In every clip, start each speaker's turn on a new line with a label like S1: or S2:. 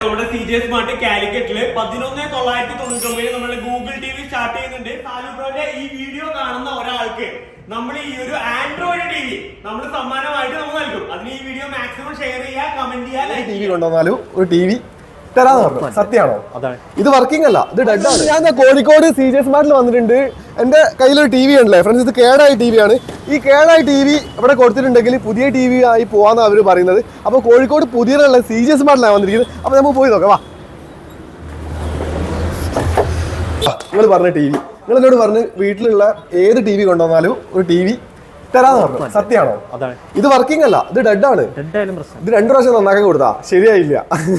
S1: നമ്മുടെ CJ smart കാലിക്കറ്റില് 11,999 നമ്മുടെ Google TV start ചെയ്യുന്നുണ്ട്. സാലുബ്രോന്റെ ഈ വീഡിയോ കാണുന്ന ഒരാൾക്ക് നമ്മൾ ഈ ഒരു ആൻഡ്രോയിഡ് TV നമ്മൾ സമ്മാനമായിട്ട് നമ്മൾ നൽകും. അതിന് ഈ വീഡിയോ മാക്സിമം ഷെയർ ചെയ്യുക, കമന്റ് ചെയ്യുക.
S2: TV കൊണ്ടുവന്നാലും ഒരു TV തരാന്ന് പറഞ്ഞു. സത്യമാണോ? ഇത് വർക്കിംഗ് അല്ല, ഇത് ഡെഡ് ആണ്. ഞാൻ കോഴിക്കോട് CJ സ്മാർട്ടിൽ വന്നിട്ടുണ്ട്. എന്റെ കയ്യിലൊരു TV ഉണ്ടല്ലേ ഫ്രണ്ട്സ്, ഇത് കേടായ TV ആണ്. ഈ കേടായ TV ഇവിടെ കൊടുത്തിട്ടുണ്ടെങ്കിൽ പുതിയ TV ആയി പോവാന്നാണ് അവർ പറയുന്നത്. അപ്പോൾ കോഴിക്കോട് പുതിയതുള്ള CJ സ്മാർട്ടിലാണ് വന്നിരിക്കുന്നത്. അപ്പോൾ നമുക്ക് പോയി നോക്കാം. വാ, നിങ്ങൾ പറഞ്ഞ TV, നിങ്ങൾ എന്നോട് പറഞ്ഞ് വീട്ടിലുള്ള ഏത് TV കൊണ്ടുവന്നാലും ഒരു TV തരാന്ന് പറഞ്ഞു. സത്യമാണോ? ഇത് വർക്കിംഗ് അല്ല, ഇത് ഡെഡ് ആണ്. ഇത് 2 പ്രാവശ്യം നന്നാക്കാൻ കൊടുത്താ ശരിയായില്ല.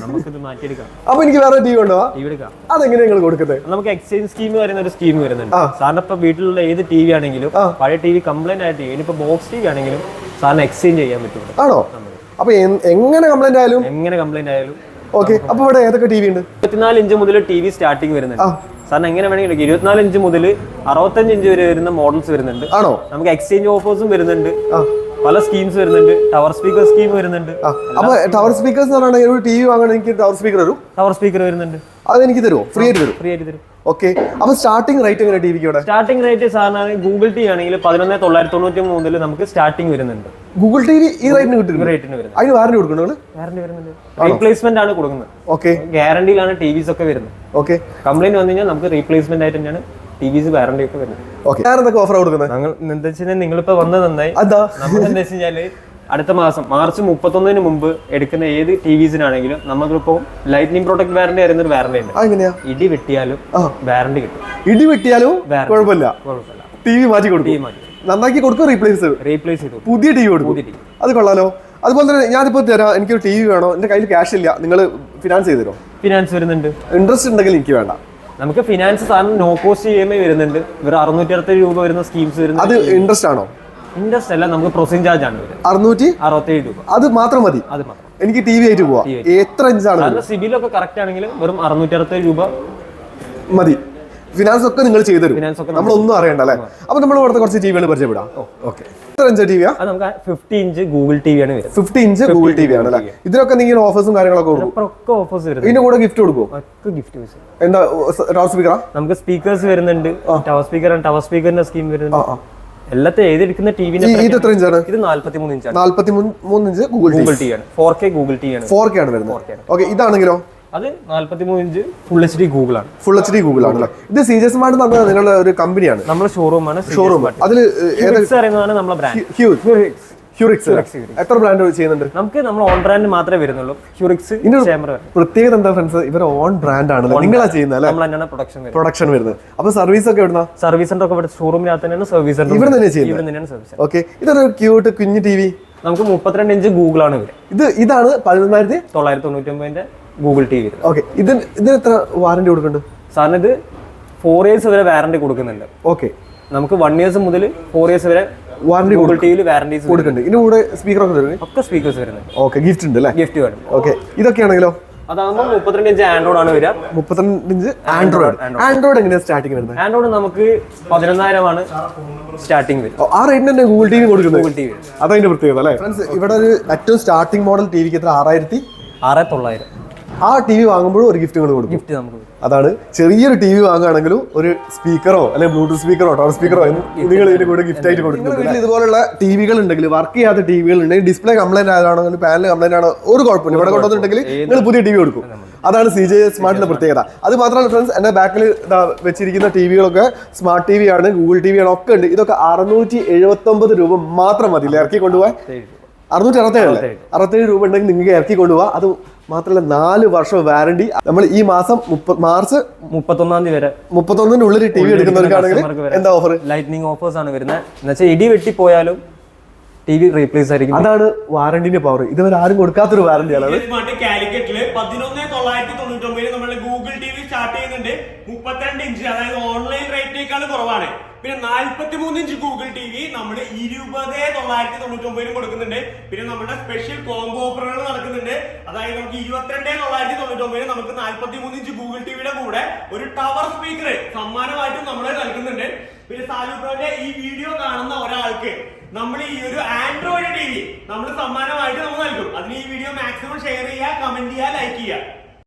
S2: അപ്പൊ എനിക്ക് വേറെ TV കൊണ്ടുപോവാ. അതെങ്ങനെയാ നിങ്ങൾ കൊടുക്കുന്നത്?
S3: നമുക്ക് എക്സ്ചേഞ്ച് സ്കീം പറയുന്ന ഒരു സ്കീം വരുന്നുണ്ട്. സാറിന് ഇപ്പൊ വീട്ടിലുള്ള ഏത് TV ആണെങ്കിലും പഴയ TV കംപ്ലൈന്റ് ആയിട്ട് ഇനിയിപ്പോ ബോക്സ് TV ആണെങ്കിലും സാറിന് എക്സ്ചേഞ്ച് ചെയ്യാൻ പറ്റും.
S2: ആണോ? അപ്പൊ എങ്ങനെ കംപ്ലൈന്റ്
S3: ആയാലും
S2: ഓക്കെ. അപ്പൊ ഇവിടെ ഏതൊക്കെ TV ഉണ്ട്?
S3: 24 ഇഞ്ച് മുതൽ TV സ്റ്റാർട്ടിങ് വരുന്നുണ്ട്. സാറിന് എങ്ങനെ വേണമെങ്കിലും 24 ഇഞ്ച് മുതൽ 65 ഇഞ്ച് വരെ വരുന്ന മോഡൽസ് വരുന്നുണ്ട്.
S2: ആണോ?
S3: നമുക്ക് എക്സ്ചേഞ്ച് ഓഫേഴ്സും വരുന്നുണ്ട്, പല സ്കീംസ് വരുന്നുണ്ട്, ടവർ സ്പീക്കർ സ്കീം വരുന്നുണ്ട്.
S2: അപ്പൊ ടവർ സ്പീക്കേഴ്സ് ഒരു TV വാങ്ങണമെങ്കിൽ എനിക്ക് ടവർ സ്പീക്കർ വരും.
S3: ടവർ സ്പീക്കർ വരുന്നുണ്ട്.
S2: അത് എനിക്ക് തരുമോ? ഫ്രീ ആയിട്ട് തരും. ഓക്കെ. അപ്പൊ സ്റ്റാർട്ടിംഗ് റേറ്റ് എങ്ങനെ TV ക്ക്?
S3: സ്റ്റാർട്ടിംഗ് റേറ്റ് സാറിന് ഗൂഗിൾ TV ആണെങ്കിൽ 11,993 മുതൽ നമുക്ക് സ്റ്റാർട്ടിംഗ് വരുന്നുണ്ട്.
S2: ഗൂഗിൾ TV ഈ റേറ്റിന് കിട്ടും? അതിന് വാറന്റി കൊടുക്കണോ?
S3: വാറന്റി വരുന്നുണ്ട്. റീപ്ലേസ്മെന്റ് ആണ് കൊടുക്കുന്നത്.
S2: ഓക്കെ.
S3: ഗ്യാരണ്ടിയിലാണ് TVs ഒക്കെ വരുന്നത്.
S2: ഓക്കെ.
S3: കംപ്ലൈന്റ് വന്നു കഴിഞ്ഞാൽ നമുക്ക് റീപ്ലേസ്മെന്റ് ആയിട്ട് തന്നെയാണ് TVs വാറന്റി ഒക്കെ വരുന്നത്.
S2: ഓക്കെ. ഞാനെന്തൊക്കെ ഓഫർ കൊടുക്കുന്നത്?
S3: ഞങ്ങൾ എന്താ വെച്ചാൽ നിങ്ങളിപ്പോ വന്നത് നന്നായി. നമ്മൾ എന്താ വെച്ച് കഴിഞ്ഞാല് അടുത്ത മാസം മാർച്ച് 31 മുമ്പ് എടുക്കുന്ന ഏത് TVസിനാണെങ്കിലും നമുക്കിപ്പോ ലൈറ്റ്നിങ് പ്രൊട്ടക്ട് വാറന്റി പറയുന്ന ഒരു വാറന്റി ഉണ്ട്. ഇടി വെട്ടിയാലും വാറന്റി കിട്ടും.
S2: ഇടി വെട്ടിയാലും കുഴപ്പമില്ല, TV മാറ്റി കൊടുക്കും. നന്നാക്കി കൊടുക്കും, റീപ്ലേസ് ചെയ്തു പുതിയ TV കൊടുക്കും. അത് കൊള്ളാലോ. അതുപോലെ തന്നെ ഞാനിപ്പോ തരാം, എനിക്കൊരു TV വേണോ, എന്റെ കയ്യിൽ ക്യാഷ് ഇല്ല, നിങ്ങൾ ഫിനാൻസ് ചെയ്ത് തരുമോ?
S3: ഫിനാൻസ് വരുന്നുണ്ട്.
S2: ഇൻട്രസ്റ്റ് ഉണ്ടെങ്കിൽ എനിക്ക് വേണ്ട.
S3: നമുക്ക് ഫിനാൻസ് സാധനം നോ കോസ്റ്റ് EMI വരുന്നുണ്ട്. ഇവർ 667 രൂപ വരുന്ന സ്കീംസ് വരുന്നത്.
S2: അത് ഇൻട്രസ്റ്റ് ആണോ?
S3: ഇൻട്രസ്റ്റ് അല്ല, നമുക്ക് പ്രോസസിംഗ് ചാർജ് ആണ്
S2: 667
S3: രൂപ.
S2: അത് മാത്രം മതി. എനിക്ക് TV ആയിട്ട് പോവാം. എത്ര ഇഞ്ചാണ്?
S3: സിബിലൊക്കെ കറക്റ്റ് ആണെങ്കിൽ വെറും 667 രൂപ
S2: മതി. ഫിനാൻസ് ഒക്കെ നിങ്ങൾ ചെയ്തു തരും, നമ്മളൊന്നും അറിയണ്ട അല്ലേ? അപ്പൊ നമ്മൾ ഇവിടുത്തെ കുറച്ച് TVകൾ പരിചയപ്പെടാം. ഓക്കെ. എത്ര ഇഞ്ച് TV?
S3: നമുക്ക് 50 ഇഞ്ച് ഗൂഗിൾ TV ആണ് വരുന്നത്.
S2: 50 ഇഞ്ച് ഗൂഗിൾ TV ആണ് അല്ലേ? ഇതിനൊക്കെ നിങ്ങൾ ഓഫേഴ്സും കാര്യങ്ങളൊക്കെ
S3: ഓഫേഴ്സ് വരും.
S2: ഇതിന്റെ കൂടെ ഗിഫ്റ്റ് കൊടുക്കും. എന്താ? ടവർ സ്പീക്കറാ?
S3: നമുക്ക് സ്പീക്കേഴ്സ് വരുന്നുണ്ട്. ടവർ സ്പീക്കറിന്റെ സ്കീം വരുന്നുണ്ട്. എല്ലാത്തെ ഏതെടുക്കുന്ന ടിവിനെ
S2: ഇത് എത്ര ഇഞ്ചാണ്?
S3: ഇത് 43 ഇഞ്ചാണ്.
S2: 43 ഇഞ്ച് ഗൂഗിൾ TV
S3: ആണ്. 4K ഗൂഗിൾ TV ആണ്.
S2: 4K ആണ് വരുന്നത്. ഓക്കെ. ഇതാണെങ്കിലോ?
S3: അത് 43 ഇഞ്ച് ഫുൾ HD ഗൂഗിൾ ആണ്.
S2: ഫുൾ HD ഗൂഗിൾ ആണ്. ഇത് CJ സ്മാർട്ട് നിങ്ങളുടെ ഒരു കമ്പനിയാണ്,
S3: നമ്മുടെ ഷോറൂമാണ്.
S2: അതിൽ
S3: അറിയുന്നതാണ് നമ്മുടെ ബ്രാൻഡ്
S2: ഹ്യൂറിക്സ്. എത്ര ബ്രാൻഡ് ചെയ്യുന്നുണ്ട്?
S3: നമുക്ക് നമ്മൾ ഓൺ ബ്രാൻഡ് മാത്രമേ വരുന്നുള്ളൂ. ഹ്യൂറിക്സ്
S2: പ്രത്യേകത എന്താ ഫ്രണ്ട്സ്? ഇവർ ഓൺ ബ്രാൻഡ് ആണ്, നിങ്ങളാ ചെയ്യുന്നത്. പ്രൊഡക്ഷൻ വരുന്നത്. അപ്പൊ സർവീസ് ഒക്കെ എവിടുന്ന?
S3: സർവീസ് സെന്റർ ഒക്കെ ഷോറൂമിനകത്ത് തന്നെയാണ് സർവീസ് സെന്റർ.
S2: ഇവിടെ തന്നെ ചെയ്യുന്നത്. ഓക്കെ. ഇതൊരു ക്യൂട്ട് കുഞ്ഞു TV.
S3: നമുക്ക് 32 ഇഞ്ച് ഗൂഗിൾ ആണ് വരുന്നത്.
S2: ഇതാണ്
S3: 11,999 ഗൂഗിൾ TV.
S2: ഓക്കെ. ഇതിന് എത്ര വാറന്റി കൊടുക്കുന്നുണ്ട്
S3: സാറിന്? ഇത് 4 ഇയേഴ്സ് വരെ വാറന്റി കൊടുക്കുന്നുണ്ട്.
S2: ഓക്കെ.
S3: നമുക്ക് 1 ഇയേഴ്സ് മുതൽ 4 ഇയേഴ്സ് വരെ
S2: വാറന്റി
S3: ഗൂഗിൾ ടിവിയിൽ വാറന്റീസ്
S2: കൊടുക്കുന്നുണ്ട്. ഇതിന്റെ കൂടെ സ്പീക്കർ
S3: ഒക്കെ സ്പീക്കേഴ്സ് വരുന്നത്.
S2: ഓക്കെ. ഗിഫ്റ്റ് ഉണ്ട് അല്ലേ?
S3: ഗിഫ്റ്റ് വേണം.
S2: ഓക്കെ. ഇതൊക്കെയാണെങ്കിലോ?
S3: അതാകുമ്പോൾ 32 ഇഞ്ച് ആൻഡ്രോയിഡ് ആണ് വരിക.
S2: 32 ഇഞ്ച് ആൻഡ്രോയിഡ് എങ്ങനെയാണ് സ്റ്റാർട്ടിങ് വരുന്നത്?
S3: ആൻഡ്രോയിഡ് നമുക്ക് 11,000 ആണ് സ്റ്റാർട്ടിങ് വരും.
S2: ആ റേറ്റിന് തന്നെ ഗൂഗിൾ TV കൊടുക്കുന്നത്. ഗൂഗിൾ TV അതതിന്റെ പ്രത്യേകത അല്ലേ ഫ്രണ്ട്സ്? ഇവിടെ ഒരു ഏറ്റവും സ്റ്റാർട്ടിംഗ് മോഡൽ TVക്ക് എത്ര? 6,900. ആ TV വാങ്ങുമ്പോഴും ഒരു ഗിഫ്റ്റ് കൊടുക്കും.
S3: ഗിഫ്റ്റ് നമുക്ക്
S2: അതാണ്. ചെറിയൊരു TV വാങ്ങുകയാണെങ്കിലും ഒരു സ്പീക്കറോ അല്ലെങ്കിൽ ബ്ലൂടൂത്ത് സ്പീക്കറോ ടവർ സ്പീക്കറോ നിങ്ങൾ ഇതിന്റെ കൂടെ ഗിഫ്റ്റ് ആയിട്ട് കൊടുക്കുന്നത്. ഇതുപോലുള്ള TVകൾ ഉണ്ടെങ്കിൽ, വർക്ക് ചെയ്യാത്ത TVകൾ ഉണ്ടെങ്കിൽ, ഡിസ്പ്ലേ കംപ്ലൈന്റ് ആയതാണെങ്കിൽ, പാനൽ കംപ്ലൈന്റ് ആണോ, ഒരു കുഴപ്പമില്ല. ഇവിടെ കൊണ്ടുവന്നിട്ടുണ്ടെങ്കിൽ നിങ്ങൾ പുതിയ TV കൊടുക്കും. അതാണ് CJ സ്മാർട്ടിന്റെ പ്രത്യേകത. അത് മാത്രമല്ല ഫ്രണ്ട്സ്, എന്റെ ബാക്കിൽ വെച്ചിരിക്കുന്ന TVകളൊക്കെ സ്മാർട്ട് TV ആണ്, ഗൂഗിൾ TV ആണ്, ഒക്കെ ഉണ്ട്. ഇതൊക്കെ 679 രൂപ മാത്രം മതി ഇറക്കി കൊണ്ടുപോകാൻ. 667 രൂപ ഉണ്ടെങ്കിൽ നിങ്ങൾക്ക് ഇറക്കി കൊണ്ടുപോകാം. അത് മാത്രമല്ല 4 വർഷം വാറണ്ടി. നമ്മൾ ഈ മാസം മാർച്ച് 31
S3: വരെ
S2: 31 TV എടുക്കുന്നവർക്കാണെങ്കിൽ എന്താ ഓഫർ?
S3: ലൈറ്റ്നിങ് ഓഫേഴ്സ് ആണ് വരുന്നത്. എന്നുവെച്ചാൽ ഇടി വെട്ടി പോയാലും TV റീപ്ലേസ് ആയിരിക്കും.
S2: അതാണ് വാറണ്ടിന്റെ പവർ. ഇതുവരെ ആരും കൊടുക്കാത്തൊരു വാറണ്ടിയാണ്.
S1: കാലിക്കറ്റില് 11,999 നമ്മുടെ ഗൂഗിൾ TV സ്റ്റാർട്ട് ചെയ്യുന്നുണ്ട്. 32 ഇഞ്ച്, അതായത് ഓൺലൈൻ റേറ്റിനേക്കാൾ കുറവാണ്. പിന്നെ 43 ഇഞ്ച് ഗൂഗിൾ TV നമ്മൾ 20,999 കൊടുക്കുന്നുണ്ട്. പിന്നെ നമ്മുടെ സ്പെഷ്യൽ കോംബോ ഓഫറുകൾ നടക്കുന്നുണ്ട്. അതായത് നമുക്ക് 22,999 നമുക്ക് 43 ഇഞ്ച് ഗൂഗിൾ TVയുടെ കൂടെ ഒരു ടവർ സ്പീക്കർ സമ്മാനമായിട്ടും നമ്മൾ നൽകുന്നുണ്ട്. പിന്നെ സാലുബ്രോന്റെ ഈ വീഡിയോ കാണുന്ന ഒരാൾക്ക് നമ്മൾ ഈ ഒരു ആൻഡ്രോയിഡ് TV നമ്മൾ സമ്മാനമായിട്ട് നമ്മൾ നൽകും. അതിന് ഈ വീഡിയോ മാക്സിമം ഷെയർ ചെയ്യുക, കമന്റ് ചെയ്യുക, ലൈക്ക് ചെയ്യുക.